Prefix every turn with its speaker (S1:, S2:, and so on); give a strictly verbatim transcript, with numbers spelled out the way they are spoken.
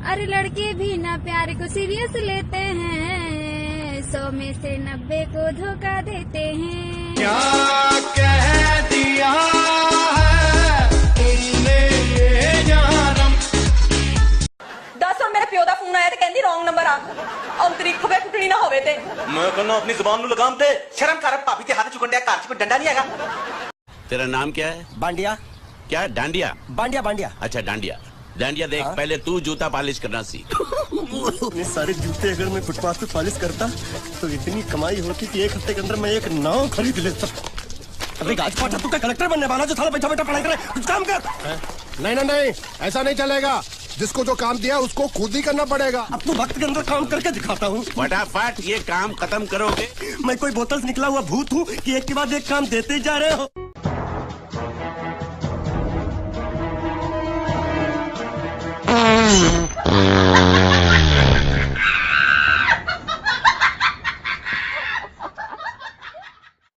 S1: अरे लड़के भी ना प्यार को सीरियस लेते हैं, सौ में से नब्बे को धोखा देते हैं।
S2: क्या कह दिया है तुमने ये जानम।
S3: दस और मेरे प्यो दा फोन आया ते कहंदी रॉन्ग नंबर आ अंतरी खबे टुटनी ना होवे ते
S4: मैं कहना अपनी जुबान नु लगाम दे। शर्म कर भाभी ते हाथ चुकन दिया घर च कोई डंडा नहीं हैगा।
S5: तेरा नाम क्या है?
S6: बांडिया।
S5: क्या? डांडिया?
S6: बांडिया बांडिया।
S5: अच्छा डांडिया। डांडिया देख, हाँ? पहले तू जूता पॉलिश करना सीख।
S6: इतने सारे जूते अगर मैं फुटपाथ पे पॉलिश करता तो इतनी कमाई होती कि एक हफ्ते के अंदर मैं एक नाव खरीद लेता। अबे गाजपाटा तू क्या कलेक्टर बनने वाला जो साला बैठा बैठा पढ़ाई करे? कुछ काम कर।
S7: नहीं नहीं नहीं, ऐसा नहीं चलेगा। जिसको जो काम दिया उसको खुद ही करना पड़ेगा।
S6: अब तो वक्त के अंदर काम करके दिखाता हूँ।
S5: फटाफट ये काम खत्म करोगे।
S6: मैं कोई बोतल से निकला हुआ भूत हूँ कि एक के बाद एक काम देते जा रहे हो।
S8: Mm-hmm.